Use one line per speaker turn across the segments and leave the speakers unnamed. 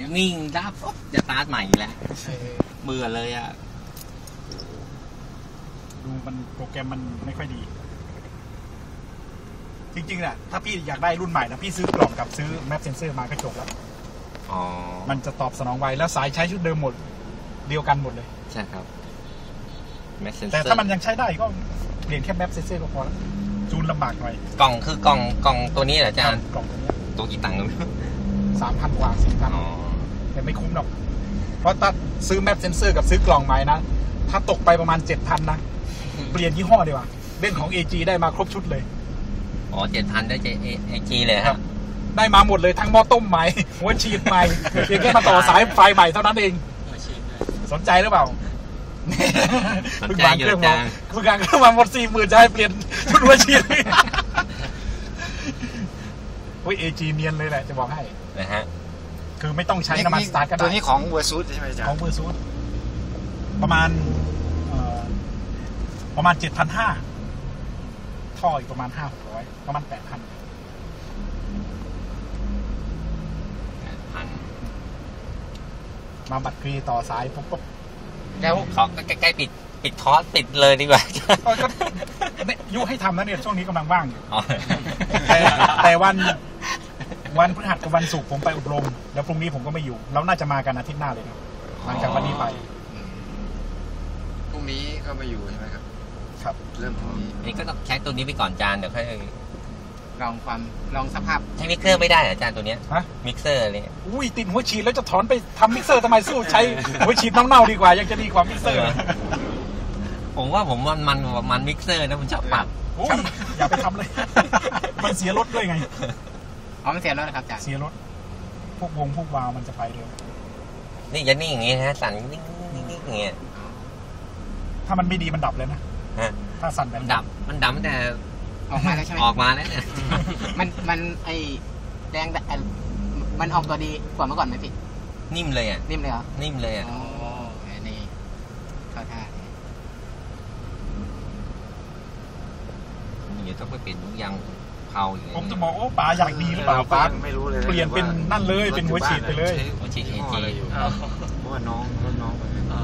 นิ่งดับจะสตาร์ทใหม่แล้วเบื่อเลยอ่ะ
ดูมันโปรแกรมมันไม่ค่อยดีจริงๆน่ะถ้าพี่อยากได้รุ่นใหม่นะพี่ซื้อกล่องกับซื้อแมปเซนเซอร์มาก็จบแล้วมันจะตอบสนองไวแล้วสายใช้ชุดเดิมหมดเดียวกันหมดเลย
ใช่ครับ
แต่ถ้ามันยังใช้ได้ก็เปลี่ยนแค่แมปเซนเซอร์ก็พอแล้วจูนลำบากหน่อย
กล่องคือกล่องตัวนี้เหรออาจารย์
กล่องตัวนี้
ตัวกี่ตังค์
3,000 กว่า 4,000แต่ไม่คุ้มหรอกเพราะถ้าซื้อแมปเซนเซอร์กับซื้อกล่องใหม่นะถ้าตกไปประมาณ 7,000 นะเปลี่ยนยี่ห้อดีกว่าเล่นของ AG ได้มาครบชุดเลย
7,000ได้AG เลยครับ
ได้มาหมดเลยทั้งหม้อต้มใหม่หัวฉีดใหม่เพียงแค่มาต่อสายไฟใหม่เท่านั้นเองสนใจหรือเปล่า
สนใจอยู่จัง
คุณกลางเครื่องมาหมด 40,000จะให้เปลี่ยนชุดหัวฉีดโอ้ย AG เนียนเลยแหละจะบอกให้
นะฮะ
คือไม่ต้องใช้น้ำมันสตาร์ทก็ได้
ตัวนี้ของเวอร์ซูดใช่ไหมจ๊ะ
ของเวอร์ซูดประมาณ 7,500 ท่ออีกประมาณ 500-600 ประมาณ 8,000 มาบัตรกรีต่อสายปุ๊บ
แล้วขอใกล้ๆปิดคอร์สปิดเลยดีกว่า
ยุให้ทำนะเนี่ยช่วงนี้กำลังว่างอยู่แต่วันพฤหัสกับวันศุกร์ผมไปอบรมแล้วพรุ่งนี้ผมก็ไม่อยู่เราน่าจะมากันอาทิตย์หน้าเลยครับหลังจากวันนี้ไป
พรุ่งนี้ก็ไม่อยู่ใช่ไหมครับ
ครับ
เริ่มพรุ่งนี้
นี่ก็ต้องใช้ตัวนี้ไปก่อนจานเดี๋ยวค่อย
ลองสภาพ
ใช้มิกเซอร์ไม่ได้อาจารย์ตัวเนี้ยมิกเซอร์เลย
อุ้ยติดหัวฉีดแล้วจะถอนไปทำมิกเซอร์ทำไมสู้ใช้หัวฉีดเน่าๆดีกว่ายังจะดีกว่ามิกเซอร์
ผมว่ามันมิกเซอร์นะมันชอบปรับ
อย่าไปทำเลยมันเสียรถด้วยไง
มันเสียรถครับอาจารย์
เสียรถพวกวาล์วมันจะไปเร็ว
นี่จะนิ่งอย่างงี้ฮะสั่นนิ่งอย่างเงี้ย
ถ้ามันไม่ดีมันดับเลยนะถ้าสั่นแบบ
มันดับแต่
ออกมาแล้วใช่ไหม
ออกมาแล้วเนี่ย
มันไอแดงมันออกตัวดีกว่าเมื่อก่อนไหมพี่
นิ่มเลยอ่ะ
นิ่มเลยเหรอ
นิ่มเลยอ่ะ
อ๋อนี่เข้าท่า
เดี๋ยวต้องไปเปลี่ยนยางเผาอย่างเงี้ย
ผมจะบอกโอ้ป๋าอยากดีหรือเปล่าป๋า
ไม่รู้เลย
เปลี่ยนเป็นนั่นเลยเป็นหัวฉีดไปเลย
หัวฉีด AG
เพราะว่าน้อง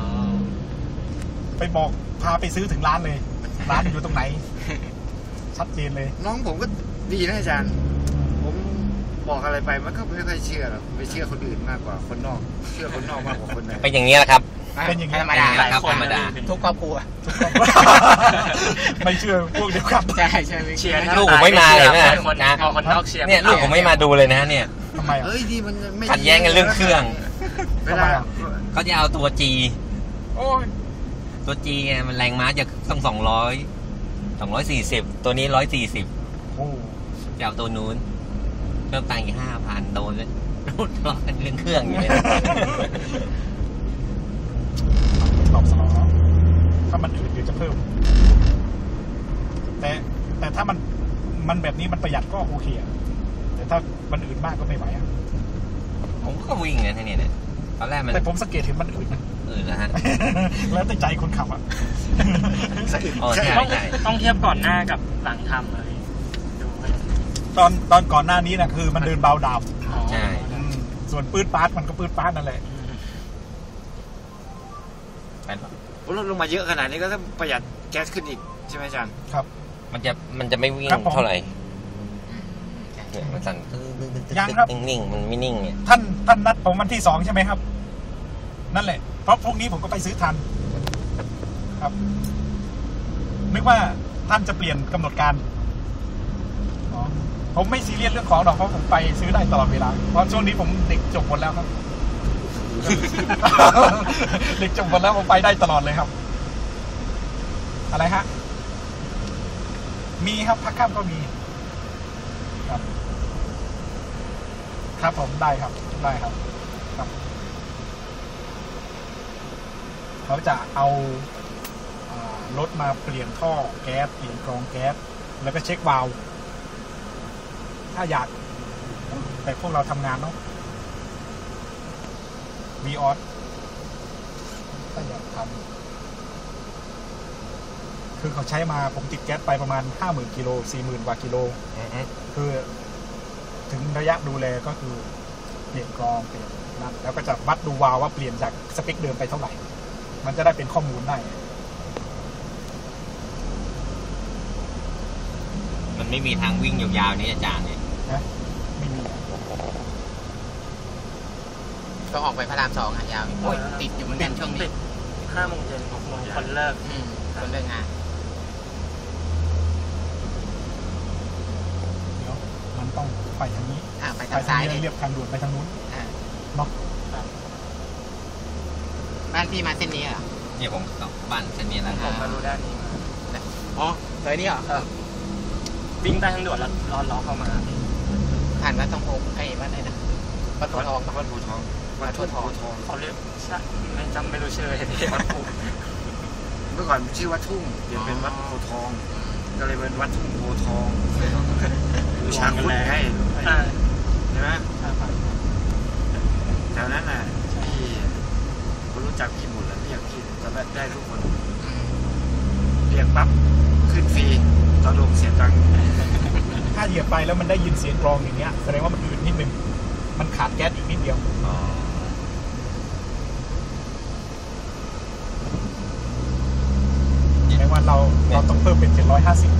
ไปบอกพาไปซื้อถึงร้านเลยร้านอยู่ตรงไหนชัดเจนเลย
น้องผมก็ดีนะอาจารย์ผมบอกอะไรไปมันก็ไม่ค่อยเชื่อหรอกไปเชื่อคนอื่นมากกว่าคนนอกเชื่อคนนอกมากกว่าคนใน
เป็นอย่างนี้แหละครับ
เป็นอย่างนี้
ธรรมดา
ครับธรรมดา
ทุกครอบครัว
ไม่เชื่อพวกเดียวกัน
ใช่
เชียร์ลูกผมไม่มาเลยนะ
คนนอกเชียร์
เนี่ยลูกผมไม่มาดูเลยนะเนี่ย
ทำไม
เฮ้ยดีมันไม่
ขัดแย้งกันเรื่องเครื่อง
เวลา
เขาจะเอาตัว G ตัว G ไงมันแรงม้าจะต้อง240ตัวนี้140จะเอาตัวนู้นเริ่มตังค์อีก 5,000 โดนแล้วทะเลาะกันเรื่องเครื่องอยู่เลย
ตอบสนองถ้ามันอื่นเดี๋ยวจะเพิ่มแต่ถ้ามันแบบนี้มันประหยัดก็โอเคอะแต่ถ้ามันอื่นมากก็ไม่ไหวอะ
ผมก็วิ่งนะทีนี้เนี่ยตอนแรกมัน
แต่ผมสังเกตเห็นมันอื่นนะ
นะฮะ
แล้วแต่ใจคนขับอะ
ต้องเทียบก่อนหน้ากับหลังทำเลย
ตอนก่อนหน้านี้นะคือมันเดินเบาดาว
ใช่
ส่วนปื้ดปาร์ตมันก็ปื้ดปาร์ตนั่นแหละ
ลดลงมาเยอะขนาดนี้ก็ต้องประหยัดแก๊สขึ้นอีกใช่ไหมอาจารย์
ครับ
มันจะไม่วิ่งเท่าไหร่มันสั่นนิ่งมันไม่นิ่งเนี่ย
ท่านนัดผมวันที่2ใช่ไหมครับนั่นแหละเพราะพรุ่งนี้ผมก็ไปซื้อทันครับนึกว่าท่านจะเปลี่ยนกำหนดการผมไม่ซีเรียสเรื่องของหรอกเพราะผมไปซื้อได้ตลอดเวลาเพราะช่วงนี้ผมเด็กจบหมดแล้วครับเด็กจบหมดแล้วผมไปได้ตลอดเลยครับอะไรฮะมีครับพักค่ำก็มีครับผมได้ครับเขาจะเอารถมาเปลี่ยนท่อแก๊สเปลี่ยนกรองแก๊สแล้วก็เช็ควาล์วถ้าอยากแต่พวกเราทำงานเนาะวีออสถ้าอยากทำคือเขาใช้มาผมติดแก๊สไปประมาณ 50,000 กิโล 40,000 กว่ากิโลคือถึงระยะดูแลก็คือเปลี่ยนกรองเปลี่ยนนั้นแล้วก็จะวัดดูวาล์วว่าเปลี่ยนจากสเปคเดิมไปเท่าไหร่มันจะได้เป็นข้อมูลได้
มันไม่มีทางวิ่งยาวๆนี้อาจารย์เนี่ย
นะไม่มี
ก็ออกไปพระราม2อ่ะยาวโอ้ยติดอยู่เหมือนกันช่วงนี้
5 โมงเย็น 6 โมงคนเลิก
คนเลิกงาน
เดี๋ยวมันต้องไปทางนี้
ไป
ไป
ทาง
ทา
ซ้าง ย
นี้
เลย
เรียบทางด่วนไปทางนู้น เนาะ
บ้านพี่มาเส้นนี้เหรอ
เนี่ยผมกลับบ้านเส้นนี้แล้ว
ผมมารู้ด้านนี้มา
อ๋อซอยนี้เหรอ
วิ่งใต้ทางด่วนแล้วล้อเข้ามา
ผ่านวัดทองโพไอ้วัดอะไรนะวัดโพทอง
วัดภูทองวัดภูทอง
เขาเรียกใช่ไม่รู้ชื่อเลยวัดภู
เมื่อก่อนชื่อวัดทุ่งเปลี่ยนเป็นวัดภูทองก็เลยเป็นวัดทุ่งโพทองอยู่ช้างคุณไงใช่ไหมแถวนั้นน่ะพี่คนรู้จักพี่หมดแล้วเรียกพี่จะได้ทุกคนเรียกปั๊บขึ้นฟรีตอนลงเสียตังค์
ถ้าเหยียบไปแล้วมันได้ยินเสียงกรองอย่างเงี้ยแสดงว่ามันอืดนิดนึงมันขาดแก๊สอีกนิดเดียวแสดงว่าเราต้องเพิ่มเป็น750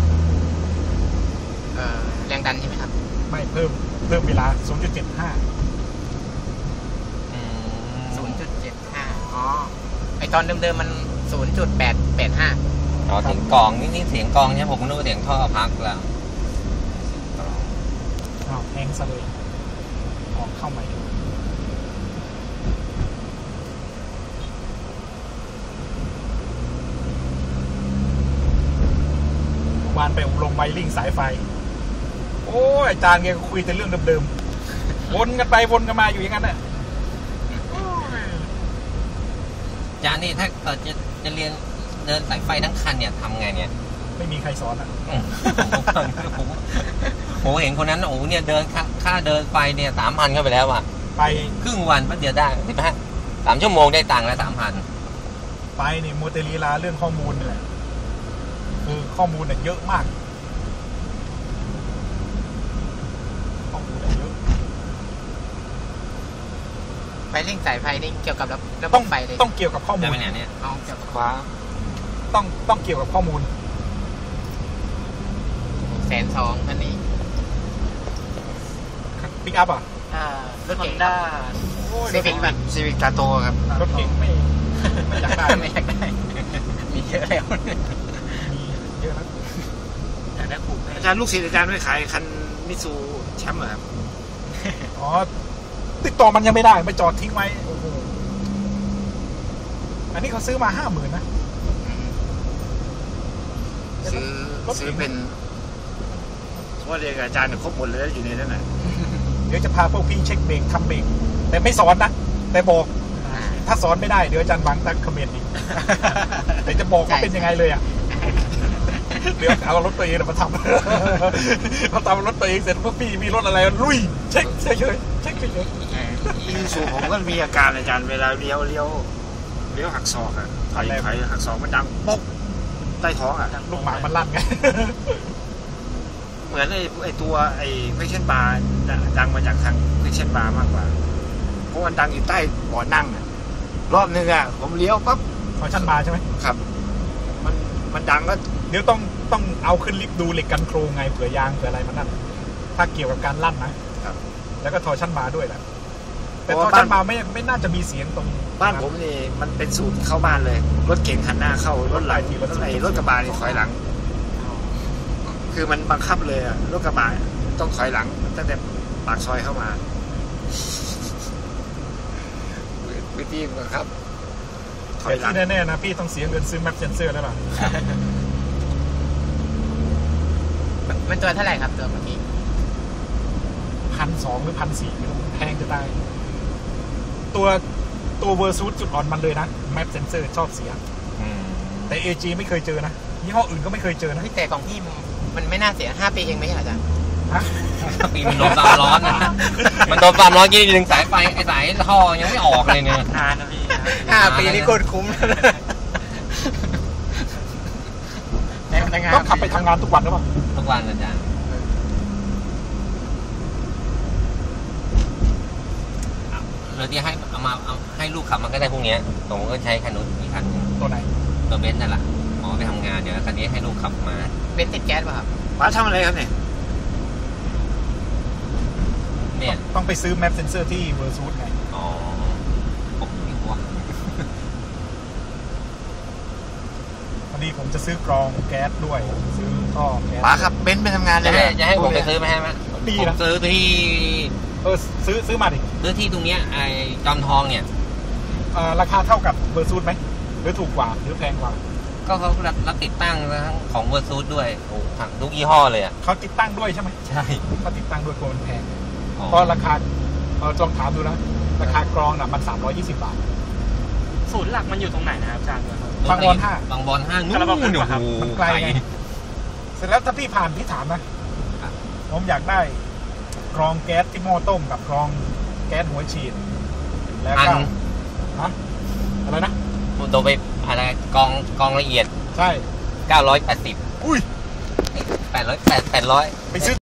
แรงดันใช่ไหมครับ
ไม่เพิ่มเวลา 0.75
0.75 อ๋อ ไอตอนเดิมๆมัน 0.885
อ๋อเสียงกลองนี่เสียงกลองเนี่ยผมนึกว่าเสียงท่อพักแล้ว
อ้าวแฮงซะเลยออกเข้าใหม่วานไปอบรมไวริ่งสายไฟโอ้ยอาจารย์แกก็คุยแต่เรื่องเดิมๆวนกันไปวนกันมาอยู่อย่างนั้นน่ะ
อาจารย์นี่ถ้าเกิดจะเรียนเดินสายไฟทั้งคันเนี่ยทำไงเนี่ย
ไม่มีใครสอนอ่ะ
ผมเห็นคนนั้นโอ้เนี่ยเดินค่าเดินไฟเนี่ย3,000เข้าไปแล้วอ่ะ
ไป
ครึ่งวันแป๊บเดียวได้3 ชั่วโมงได้ตังค์แล้ว3,000
ไปนี่โมเตลีลาเรื่องข้อมูลนี่แหละคือข้อมูลเนี่ยเยอะมากข้อมูลเนี่ยเยอะ
ไฟเร่งสายไฟนี่เกี่ยวกับระบ
ต้อบ ง
ไฟเลย
ต้องเกี่ยวกับข้อมู
ได้
ล
ไหมเนี่ย
เอาเกี่ยวกับ
ขวา
ต้องเกี่ยวกับข้อมูล
120,000คันนี้
ปิกอัพอ่ะ
รถ
ฮอ
เก๋
น
ง
ด้า
โอ้ย
ซีวิกป่ะ
ซีวิกตาโตครับ
รถเก่งไม่อยากได้
ไม่อยากได้ มีเยอะแล้ว
มีเยอะนะ
อยากได้ผูก
อาจารย์ลูกศิษย์อาจารย์ไม่ขายคันมิตซูแชมป์เหรอครับ
อ๋อติดต่อมันยังไม่ได้ไปจอดทิ้งไว้โอ้โหอันนี้เขาซื้อมา50,000นะ
ซื้อเป็นเพราะว่าเรียนกับอาจารย์เนี่ยครบหมดเลยอยู่ในนั้นน่ะ
เดี๋ยวจะพาพวกพี่เช็คเบรกทำเบรกแต่ไม่สอนนะแต่บอกถ้าสอนไม่ได้เดี๋ยวอาจารย์หวังตั้งคอมเมนต์อีกแต่จะบอกว่าเป็นยังไงเลยอ่ะเดี๋ยวเอารถตัวเองมาทำพอทำรถตัวเองเสร็จพวกพี่มีรถอะไรลุยเช็คเลย
มิตซูผมก็มีอาการอาจารย์เวลาเลี้ยวหักศอกอ่ะถอยหักศอกมันดังป๊อกใต้ท้องอ่ะ
ลูกหมามันลั่นไง
เหมือนไอ้ตัวไอ้เฟคชั่นบาร์ดังมาจากทางเฟคชั่นบาร์มากกว่าเพราะมันดังอยู่ใต้เบาะนั่งอ่ะรอบนึงอ่ะผมเลี้ยวปั๊บ
ขอชั้นมาใช่ไหม
ครับมันดังก็
เดี๋ยวต้องเอาขึ้นลิฟต์ดูเหล็กกันโครงไงเผื่อยางเผื่ออะไรมันนั่นถ้าเกี่ยวกับการลั่นนะครับแล้วก็ทอชั้นมาด้วยแหละแต่ทอชั้นมาไม่น่าจะมีเสียงตรง
บ้านผมนี่มันเป็นสูตรเข้าบ้านเลยรถเก๋งหันหน้าเข้ารถหลังรถกระบะนี่ถอยหลัง คือมันบังคับเลยอะรถกระบะต้องถอยหลังตั้งแต่ปากซอยเข้ามาวิธีบังคับถอย
แต่
หลัง
ที่แน่ๆนะพี่ต้องเสียเงินซื้อแมปเซนเซอร์แล้วล่ะ
มันตัวเท่าไหร่ครับตัวเมื่อกี้
1,200 หรือ 1,400ไม่รู้แพงจะได้ตัวเวอร์ซูดจุดอ่อนมันเลยนะแมปเซนเซอร์ชอบเสียแต่ AG ไม่เคยเจอนะยี่ห้ออื่นก็ไม่เคยเจอนะ
แต่ของพี่มันไม่น่าเสีย5 ปีเองไหมอาจารย์
ฮะ
ปีมันโดนความร้อนนะมันโดนความร้อนกี่ดึงสายไฟไอ้สายท่อยังไม่ออกเลยเนี่ย
นานนะพี่
5 ปีนี่โคตรคุ้ม
ต้องขับไปทำงานทุกวันหรือเปล่า
ทุกวันอาจารย์เราจะให้เอาให้ลูกขับมันก็ได้พวกเนี้ยผมก็ใช้คันนู้นอีกคันหนึ่ง
ตัวไหน
ตัวเบนซ์นั่นแหละหมอไปทำงานเดี๋ยวคันนี้ให้ลูกขับมา
เป็นติดแก๊สป่ะครับ
ป๋าทำอะไรครับเนี่ย
เนี่ย
ต้องไปซื้อแมปเซนเซอร์ที่เวอร์ซูดไง
อ๋อผมไม่รู้ว่า
พอดีผมจะซื้อกรองแก๊สด้วย ซื้อท่อแก๊ส
ป๋าครับเบนซ์ไปทำงานเล
จะ
ย
ให้
เหรอ
จะให้ผมไปซื้อไหมฮะ
ดี
ผม
นะ
ซื้อที่
ซื้อมาดิ
ตรงเนี้ยไอ้จอมทองเนี่ย
ราคาเท่ากับเวอร์ซูดไหมหรือถูกกว่าหรือแพงกว่า
ก็เขารับติดตั้งทั้งของเวอร์ซูดด้วยโอ้ทั้งทุกยี่ห้อเลยอ่ะ
เขาติดตั้งด้วยใช่ไหม
ใช่
เขาติดตั้งด้วยกลัวมันแพง
อ๋อ
เพราะราคาลองถามดูนะราคากรองน่ะมัน320 บาท
ศูนย์หลักมันอยู่ตรงไหนนะครับอาจารย์ครับ
บางบอนห้า
บางบอนห้านู่น
กระบะ
โอ้โห
มันไกลไง เสร็จแล้วถ้าพี่ผ่านพี่ถามนะผมอยากได้กรองแก๊สที่หม้อต้มกับกรองแก๊สหัวฉีดแล้วก็ฮะอะไรนะ
โดนไปอะไรกองละเอียด
ใช่
980
อุ้ย
800
ไปซื้อ